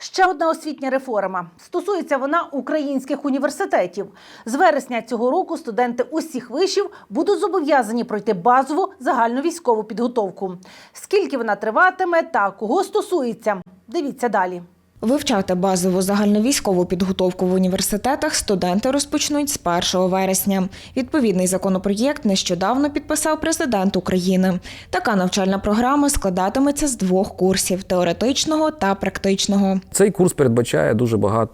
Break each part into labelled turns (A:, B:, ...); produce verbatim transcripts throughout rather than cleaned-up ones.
A: Ще одна освітня реформа. Стосується вона українських університетів. З вересня цього року студенти усіх вишів будуть зобов'язані пройти базову загальновійськову підготовку. Скільки вона триватиме та кого стосується? Дивіться далі.
B: Вивчати базову загальновійськову підготовку в університетах студенти розпочнуть з першого вересня. Відповідний законопроєкт нещодавно підписав президент України. Така навчальна програма складатиметься з двох курсів – теоретичного та практичного.
C: Цей курс передбачає дуже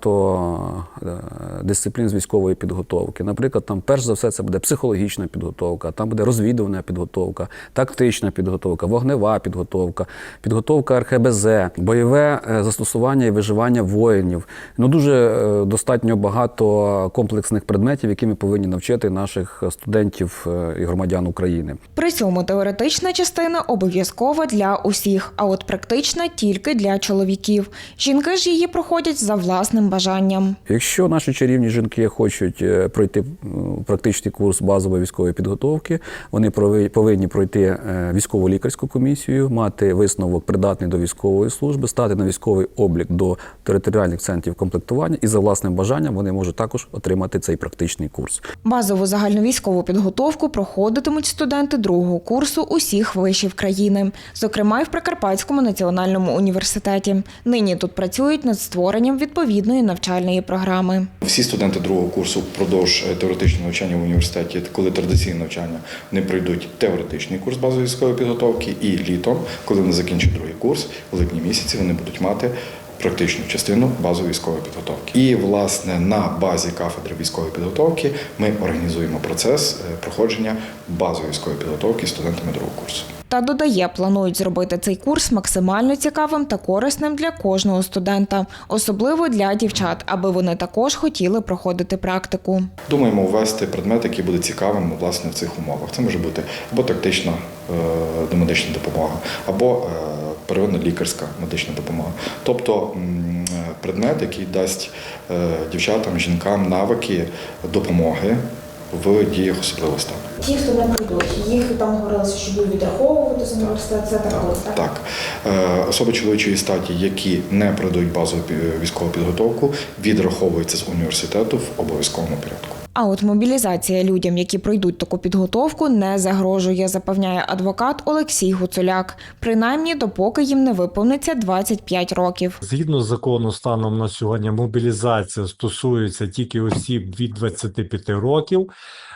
C: багато дисциплін з військової підготовки. Наприклад, там перш за все це буде психологічна підготовка, там буде розвідувальна підготовка, тактична підготовка, вогнева підготовка, підготовка ер ха бе зет, бойове застосування і виживання воїнів. Ну, дуже достатньо багато комплексних предметів, які ми повинні навчити наших студентів і громадян України.
B: При цьому теоретична частина обов'язкова для усіх, а от практична тільки для чоловіків. Жінки ж її проходять за власним бажанням.
C: Якщо наші чарівні жінки хочуть пройти практичний курс базової військової підготовки, вони повинні пройти військово лікарську комісію, мати висновок придатний до військової служби, стати на військовий облік до територіальних центрів комплектування і за власним бажанням вони можуть також отримати цей практичний курс.
B: Базову загальновійськову підготовку проходитимуть студенти другого курсу усіх вишів країни, зокрема й в Прикарпатському національному університеті. Нині тут працюють над створенням відповідної навчальної програми.
D: Всі студенти другого курсу впродовж теоретичного навчання в університеті, коли традиційне навчання, вони пройдуть теоретичний курс базової військової підготовки і літом, коли вони закінчать другий курс, в липні місяці вони будуть мати практичну частину базової військової підготовки. І, власне, на базі кафедри військової підготовки ми організуємо процес проходження базової військової підготовки студентами другого курсу.
B: Та додає, планують зробити цей курс максимально цікавим та корисним для кожного студента, особливо для дівчат, аби вони також хотіли проходити практику.
D: Думаємо ввести предмет, який буде цікавим, власне, в цих умовах. Це може бути або тактична домедична допомога, або первинна лікарська медична допомога. Тобто предмет, який дасть дівчатам, жінкам навики допомоги в діях особливого стану.
B: Ті, хто не прийдуть, їх там говорилося, що будуть відраховувати з університету, це так?
D: Так, так. так. Особи чоловічої статі, які не пройдуть базову військову підготовку, відраховуються з університету в обов'язковому порядку.
B: А от мобілізація людям, які пройдуть таку підготовку, не загрожує, запевняє адвокат Олексій Гуцуляк. Принаймні, допоки їм не виповниться двадцять п'ять років.
E: Згідно з закону станом на сьогодні, мобілізація стосується тільки осіб від двадцяти п'яти років.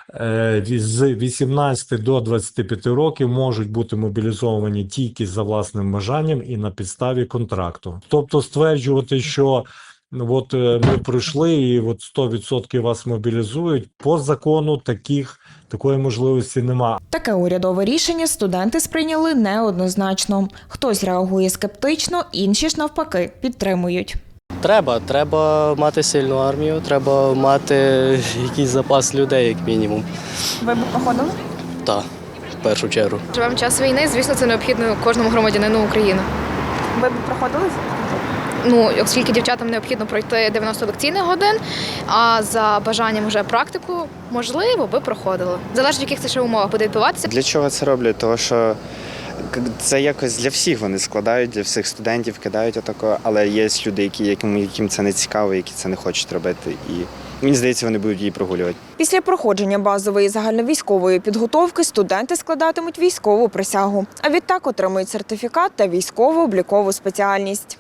E: З вісімнадцяти до двадцяти п'яти років можуть бути мобілізовані тільки за власним бажанням і на підставі контракту. Тобто стверджувати, що от ми пройшли і от сто відсотків вас мобілізують, по закону таких, такої можливості нема.
B: Таке урядове рішення студенти сприйняли неоднозначно. Хтось реагує скептично, інші ж навпаки підтримують.
F: Треба, треба мати сильну армію, треба мати якийсь запас людей, як мінімум.
B: Ви б проходили?
F: Так, в першу чергу.
G: Живемо в час війни, звісно, це необхідно кожному громадянину України.
B: Ви б проходили?
G: Ну, оскільки дівчатам необхідно пройти дев'яносто лекційних годин, а за бажанням вже практику, можливо, би проходили. Залежить, в яких це ще умовах буде відбуватися.
H: Для чого це роблять? Тому що це якось для всіх вони складають, для всіх студентів кидають отако, але є люди, які, яким, яким це не цікаво, які це не хочуть робити. І мені здається, вони будуть її прогулювати.
B: Після проходження базової загальновійськової підготовки студенти складатимуть військову присягу, а відтак отримують сертифікат та військово-облікову спеціальність.